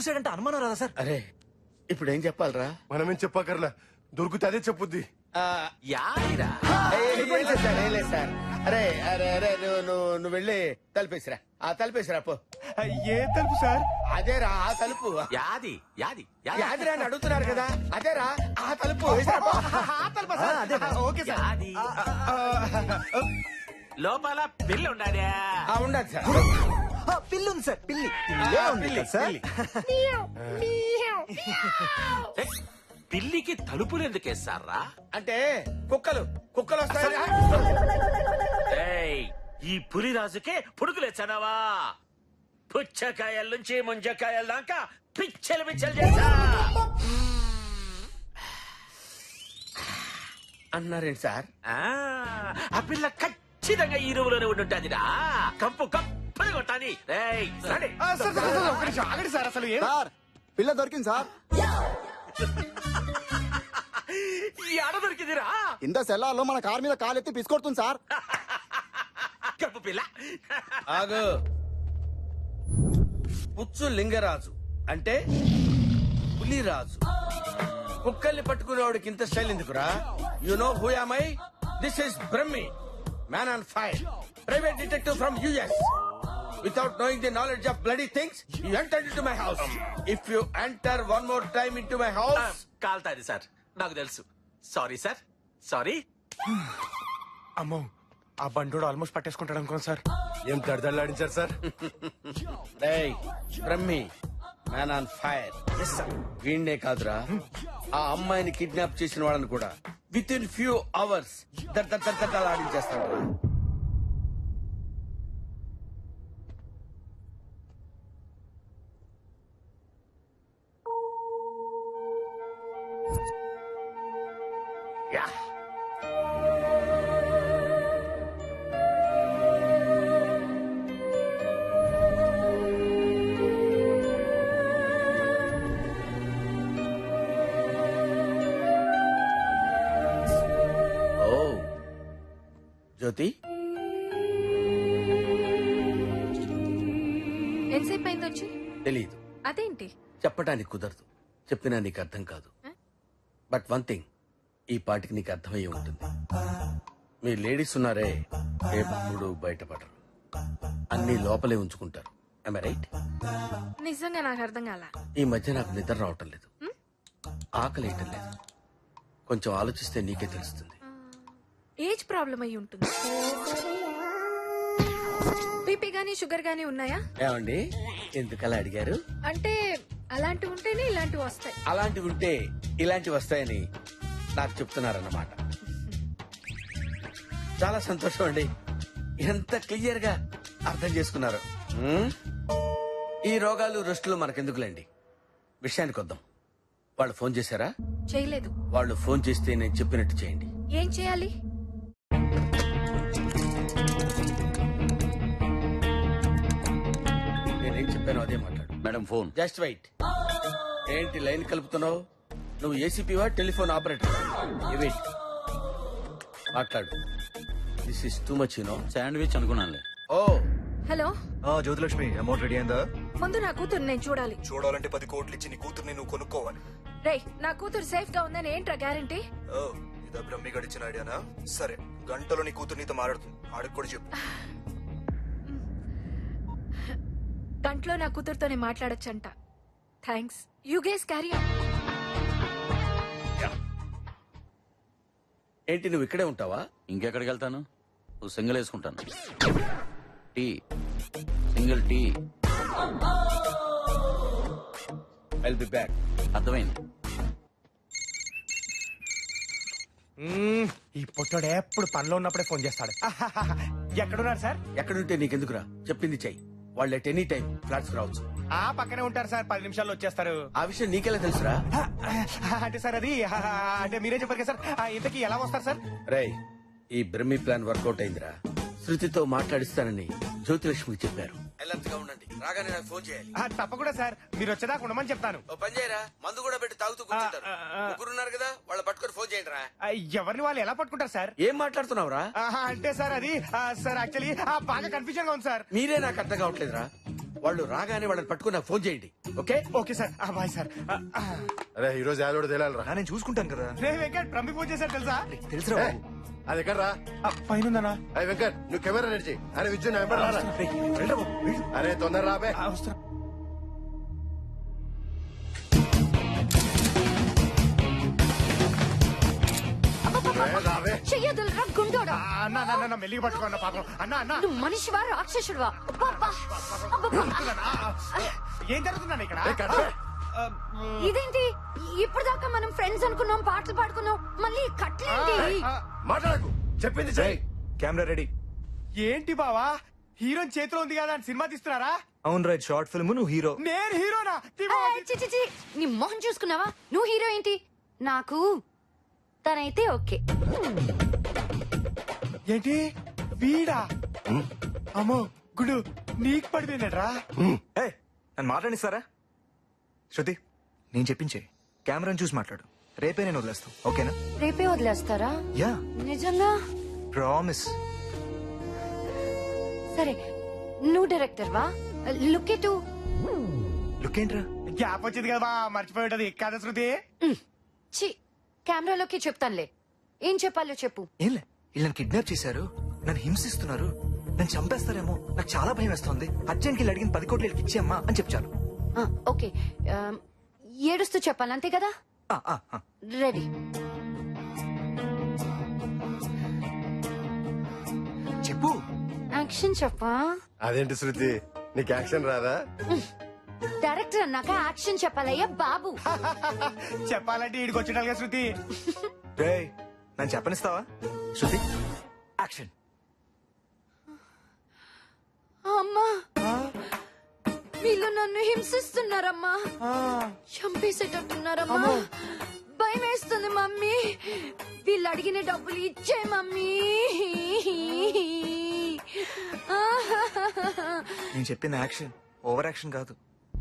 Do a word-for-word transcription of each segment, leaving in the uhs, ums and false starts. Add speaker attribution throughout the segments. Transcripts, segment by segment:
Speaker 1: చూసాడంటే అనుమానం రాదా సార్?
Speaker 2: అరే ఇప్పుడు ఏం చెప్పాలరా?
Speaker 3: మనమేం చెప్పకర్లా, దొరికితే అదే చెప్పుద్ది.
Speaker 2: ఆ,
Speaker 4: యాదిరా
Speaker 2: ఏ, ఏ, ఏం లేదు సార్, ఏం లేదు సార్. అరే అరే అరే నువ్వు నువ్వు నువ్వు వెళ్ళి తలుపేసిరా. ఆ తలుపేసిరా పో.
Speaker 3: ఏ తలుపు సార్?
Speaker 2: అదేరా ఆ తలుపు.
Speaker 4: యాది యాది
Speaker 2: యాదిరా అని అడుగుతున్నారు కదా, అదేరా ఆ తలుపు. వేసిరా పో.
Speaker 3: ఆ తలుపా సార్?
Speaker 1: అదే
Speaker 3: ఓకే సార్.
Speaker 4: యాది లోపల పిల్ల ఉండాలి.
Speaker 2: ఆ, ఉండదు సార్.
Speaker 1: ఆ, పిల్లి ఉంది సార్, పిల్లి.
Speaker 2: ఆ,
Speaker 1: ఉంది
Speaker 2: పిల్లి,
Speaker 1: కదా సార్?
Speaker 2: పిల్లి.
Speaker 4: పిల్లికి తలుపులు ఎందుకు వేస్తారా?
Speaker 2: అంటే కుక్కలు కుక్కలు వస్తాయి.
Speaker 4: ఏయ్, ఈ పులిరాజుకే పుడుకులేచ్చనవా? పుచ్చకాయల నుంచి ముంజకాయల దాకా పిచ్చలు పిచ్చలు చేశా.
Speaker 2: అన్నారేంటి సార్?
Speaker 4: ఆ, ఆ పిల్ల ఖచ్చితంగా ఈ రూములోనే ఉండుంటాదిరా. కంపు కంపని కొట్టాలి. ఏయ్, రండి.
Speaker 3: ఆ, సార్, సార్, సార్, ఒక్క నిమిషం ఆగండి సార్. అసలు ఏం
Speaker 5: సార్ పిల్ల దొరికింది సార్.
Speaker 4: ఈ ఆడ దొరికిందిరా.
Speaker 5: ఇంత సెల్లార్లో మన కార్ మీద కాలెత్తి పిసుకొడుతుంది సార్.
Speaker 4: కప్పు పిల్ల.
Speaker 2: ఆగు. పుచ్చు లింగరాజు అంటే పులిరాజు. కుక్కల్ని పట్టుకునేవాడికి ఇంత స్టైల్ ఎందుకురా? You know who am I? This is Brahmi, man on fire, private detective from US. Without knowing the knowledge of bloody things, you entered into my house. If you enter one more time into my
Speaker 4: ఆ,
Speaker 2: house,
Speaker 4: కాల్తాది sir, నాకు తెలుసు. Sorry sir, sorry.
Speaker 3: అమ్మో, ఆ బండోడు almost పట్టేసుకుంటాడు అనుకోండి సార్. ఏం దడదడలాడించారు సార్?
Speaker 2: hey, Brahmi, man on fire. వీణ్ణే కాదురా, ఆ అమ్మాయిని కిడ్నాప్ చేసిన వాళ్ళని కూడా విత్ ఇన్ ఫ్యూ అవర్స్ ఆడించేస్తాడు.
Speaker 4: యా.
Speaker 2: ఓ జ్యోతి,
Speaker 6: ఎంతసేపు అయింది వచ్చి?
Speaker 2: తెలీదు,
Speaker 6: అదేంటి?
Speaker 2: చెప్పటానికి కుదరదు. చెప్పినా నీకు అర్థం కాదు. బట్ వన్ థింగ్, ఈ పాటికి నీకు అర్థమయ్యే ఉంటుంది. మీ లేడీస్ ఉన్నారే, ఎప్పుడు బయటపడరు, అన్ని లోపలే ఉంచుకుంటారు. Am I right?
Speaker 6: నిజంగా నాకు అర్థం కాల.
Speaker 2: ఈ మధ్య నాకు నిద్ర రావటం లేదు, ఆకలి వేయటం లేదు. కొంచెం ఆలోచిస్తే నీకే తెలుస్తుంది.
Speaker 6: ఏజ్ ప్రాబ్లం అయి ఉంటుంది. బీపీ గానీ షుగర్ గానీ ఉన్నాయా?
Speaker 2: ఏమండి ఎందుకలా అడిగారు?
Speaker 6: అంటే అలాంటివి ఉంటేనే ఇలాంటివి వస్తాయి.
Speaker 2: అలాంటివి ఉంటే ఇలాంటివి వస్తాయని నాకు చెప్తున్నారన్నమాట. చాలా సంతోషం అండి, ఎంత క్లియర్ గా అర్థం చేసుకున్నారు. హ్మ్? ఈ రోగాలు రెస్టులు మనకెందుకులేండి, విషయానికి వద్దాం. వాళ్ళు ఫోన్ చేశారా?
Speaker 6: చేయలేదు.
Speaker 2: వాళ్ళు ఫోన్ చేస్తే నేను చెప్పినట్టు చేయండి.
Speaker 6: ఏం చేయాలి?
Speaker 2: నేనేం చెప్పానో అదే మాట్లాడు.
Speaker 4: Madam phone.
Speaker 2: Just wait. ఏంటి లైన్ కలుపుతున్నావు? నువ్వు ఏసీపీవా టెలిఫోన్ ఆపరేటర్? వెయిట్, మాట్లాడు. This is too much, you know.
Speaker 4: Sandwich అనుకున్నానులే.
Speaker 2: Oh
Speaker 6: hello,
Speaker 1: Jyothilakshmi, amount ready అయిందా?
Speaker 6: ముందు నా కూతురు నేను చూడాలి.
Speaker 1: చూడాలంటే పది కోట్లు ఇచ్చి నీ కూతుర్ని నువ్వు కొనుక్కోవాలి.
Speaker 6: రేయ్, నా కూతురు సేఫ్ గా ఉందని ఏంట్రా గ్యారంటీ?
Speaker 1: ఓ, ఇదా బ్రహ్మి గడిచిన ఐడియానా? సరే, గంటలో నీ కూతురు నీతో మాట్లాడుతుంది, ఆడికి కూడా చెప్పు.
Speaker 6: గంటలో నా కూతురుతోనే మాట్లాడొచ్చంట. Thanks. You guys carry on.
Speaker 2: ఏంటి నువ్వు ఇక్కడే ఉంటావా?
Speaker 4: ఇంకెక్కడికి వెళ్తాను? నువ్వు సింగిల్ వేసుకుంటాను. Tea, single tea.
Speaker 2: I'll be back.
Speaker 4: అర్థమైంది.
Speaker 3: ఈ పొట్టోడు ఎప్పుడు పనిలో ఉన్నప్పుడే ఫోన్ చేస్తాడు. ఎక్కడున్నారు సార్?
Speaker 2: ఎక్కడుంటే నీకెందుకురా, చెప్పింది చెయ్యి. వాళ్ళు ఎట్ ఎనీ టైం ఫ్లాట్స్ రావచ్చు.
Speaker 3: ఆ పక్కనే ఉంటారు సార్, పది నిమిషాల్లో వచ్చేస్తారు.
Speaker 2: ఆ విషయం నీకెలా తెలుసురా?
Speaker 3: అంటే సార్ అది అంటే మీరే చెప్పారు కదా సార్. ఆ, ఇంతకీ ఎలా వస్తారు సార్?
Speaker 2: రేయ్, ఈ బ్రహ్మి ప్లాన్ వర్కౌట్ అయిందిరా. శృతితో మాట్లాడిస్తానని జ్యోతిలక్ష్మికి చెప్పారు. అలర్ట్ గా ఉండండి, రాగానే నాకు ఫోన్ చేయాలి.
Speaker 3: ఆ, తప్పకుండా సార్, మీరు వచ్చేదాకా ఉండమని చెప్తాను.
Speaker 2: ఓ పని చేయరా, మందు కూడా పెట్టి తాగుతూ కూర్చుంటారు.
Speaker 3: ఆ, ఆ, ఆ.
Speaker 2: ముగ్గురున్నారు కదా, వాళ్ళు పట్టుకొని ఫోన్ చేయండి రా.
Speaker 3: ఆ, ఎవరిని వాళ్ళు ఎలా పట్టుకుంటారు సార్?
Speaker 2: ఏం మాట్లాడుతున్నావురా?
Speaker 3: ఆహా, అంటే సార్ అది ఆ, సార్ యాక్చువల్లీ బాగా కన్ఫ్యూజన్ గా ఉంది సార్.
Speaker 2: మీరే నాకు అర్థం కావట్లేదురా. వాళ్ళు రాగానే వాళ్ళని పట్టుకుని నాకు ఫోన్ చేయండి okay
Speaker 3: okay sir bye sir
Speaker 7: అరే ఈ రోజు యాదోడు తేలాలరా
Speaker 1: నా నేను చూసుకుంటాను కదా
Speaker 3: రే వెంకట్ ప్రమి ఫోన్ చేశారు తెలుసా
Speaker 1: తెలుసురా
Speaker 7: ఏయ్, అది ఎక్కడ రా
Speaker 3: పైన ఉందన్నా
Speaker 7: అరే వెంకట్ నువ్వు కెమెరా రెడీ చేయి అరే విద్యు నా వెంబడి రారా
Speaker 1: వెళ్ళరా బాబు, వెళ్ళు.
Speaker 7: అరే తొందర రాబే
Speaker 3: వస్తున్నా
Speaker 7: రే, రాబే
Speaker 6: చెయ్యదులరా గుండోడా
Speaker 3: అన్న అన్న అన్న మెల్లిగా పట్టుకోన్న పాపం అన్న అన్న
Speaker 6: నువ్వు మనిషివా రాక్షసుడివా అబ్బబ్బా! అబ్బబ్బా!
Speaker 3: ఏం జరుగుతుందండి ఇక్కడ
Speaker 7: ఏ, కట్ రే.
Speaker 6: ఇదేంటి ఇప్పుడు దాకా మనం ఫ్రెండ్స్ అనుకున్నాం పాటలు పాడుకున్నాం మళ్ళీ కట్లేంటి
Speaker 7: మాట్లాడకు చెప్పింది చెయ్యి
Speaker 1: కెమెరా రెడీ
Speaker 3: ఏంటి బావా హీరోయిన్ చేతిలో ఉంది కదా అని సినిమా తీస్తున్నారా
Speaker 1: అవును రైట్ షార్ట్ ఫిల్మ్ నువ్వు హీరో
Speaker 3: నేను హీరోనా తీ
Speaker 6: ఆ,
Speaker 3: బావా, తీ.
Speaker 6: చి, చి, చి. నీ మొహం చూసుకున్నావా నువ్వు హీరో ఏంటి నాకు తనైతే ఓకే
Speaker 3: ఏంటి వీడా అమ్మో గుడు నీకు పడిపోయినట్రా
Speaker 1: ఏ నన్ను మాట్లాడిస్తారా శృతి నేను చెప్పించే కెమెరాని చూసి మాట్లాడు రేపే నేను వదిలేస్తాను ఓకేనా
Speaker 6: రేపే వదిలేస్తారా
Speaker 1: యా
Speaker 6: నిజంగా
Speaker 1: ప్రామిస్
Speaker 6: సరే నువ్వు డైరెక్టర్ వా లుక్ ఎటు
Speaker 1: లుక్ ఏంట్రా
Speaker 3: గ్యాప్ వచ్చింది కదా బా, మర్చిపోయి ఉంటది కదా శృతి
Speaker 6: చి కెమెరాలోకి చెప్తానులే ఏం చెప్పాలో చెప్పు
Speaker 1: ఏంలే వీళ్ళు నన్ను కిడ్నాప్ చేశారు నన్ను హింసిస్తున్నారు నన్ను చంపేస్తారేమో నాకు చాలా భయం వేస్తుంది అర్జెంట్కి వెళ్ళి అడిగిన పది కోట్లు వీళ్ళకి ఇచ్చేయమ్మా అని చెప్పాను
Speaker 6: ఆ, ఓకే ఆ, ఏడుస్తూ చెప్పాలి అంతే కదా రెడీ
Speaker 1: చెప్పు
Speaker 6: యాక్షన్ చెప్పా
Speaker 7: అదేంటి శృతి నీకు యాక్షన్ రాదా
Speaker 6: డైరెక్టర్ అన్నాక యాక్షన్ చెప్పాలయ్యా బాబు
Speaker 3: చెప్పాలంటే ఈడికి వచ్చిండాలిగా శృతి
Speaker 1: రే నన్ను చెప్పనిస్తావా శృతి యాక్షన్
Speaker 6: అమ్మా వీళ్ళు నన్ను హింసిస్తున్నారమ్మా చంపేసేటట్టున్నారమ్మా భయం వేస్తుంది మమ్మీ వీళ్ళు అడిగిన డబ్బులు ఇచ్చే మమ్మీ
Speaker 1: నేను చెప్పిన యాక్షన్ ఓవర్ యాక్షన్ కాదు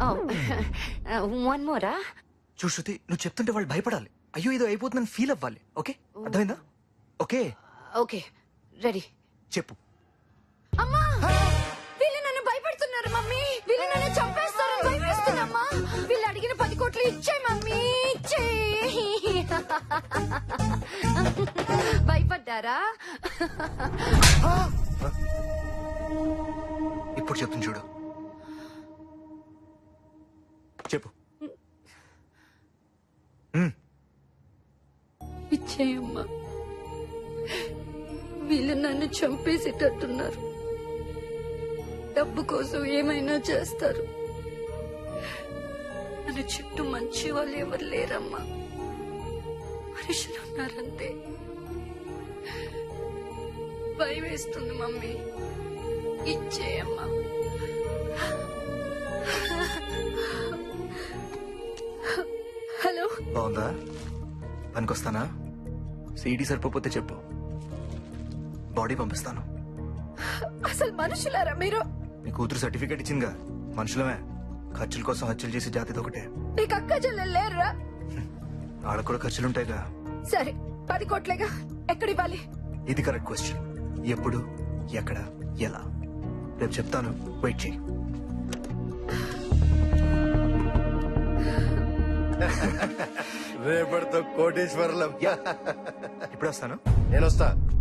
Speaker 6: వన్ మోరా
Speaker 1: చూడు శృతి నువ్వు చెప్తుంటే వాళ్ళు భయపడాలి అయ్యో ఇది అయిపోతుందని ఫీల్ అవ్వాలి ఓకే అర్థమైందా ఓకే
Speaker 6: ఓకే రెడీ
Speaker 1: చెప్పు
Speaker 6: అమ్మా వీళ్ళు నన్ను భయపెడుతున్నారు మమ్మీ వీళ్ళు నన్ను చంపేస్తారని భయపేస్తున్నామ్మా వీళ్ళు అడిగిన పది కోట్లు ఇచ్చే మమ్మీ ఇచ్చే భయపడ్డారా
Speaker 1: ఇప్పుడు చెప్తుంది చూడు చెప్పు మ్మ్.
Speaker 6: ఇచ్చేయమ్మా వీళ్ళు నన్ను చంపేసేటట్టున్నారు డబ్బు కోసం ఏమైనా చేస్తారు నన్ను చుట్టూ మంచి వాళ్ళు ఎవరు లేరమ్మా మనుషులు ఉన్నారంతే భయం వేస్తుంది మమ్మీ ఇచ్చేయమ్మా హలో
Speaker 1: బాగుందా పనికొస్తానా సీడీ సరిపోతే చెప్పు బాడీ పంపిస్తాను
Speaker 6: అసలు మనుషులారా మీరు
Speaker 1: నీ కూతురు సర్టిఫికేట్ ఇచ్చిందిగా మనుషులమే ఖర్చుల కోసం హత్యలు చేసే జాతిది ఒకటే
Speaker 6: నీకు అక్క చెల్లెలు లేరురా
Speaker 1: వాళ్ళకు కూడా ఖర్చులుంటాయిగా
Speaker 6: సరే పది కోట్లేగా ఎక్కడివ్వాలి
Speaker 1: ఇది కరెక్ట్ క్వశ్చన్ ఎప్పుడు ఎక్కడ ఎలా రేపు చెప్తాను వెయిట్ చేయి
Speaker 7: రేపటితో కోటేశ్వరులం
Speaker 1: ఇప్పుడు వస్తాను
Speaker 7: నేను వస్తా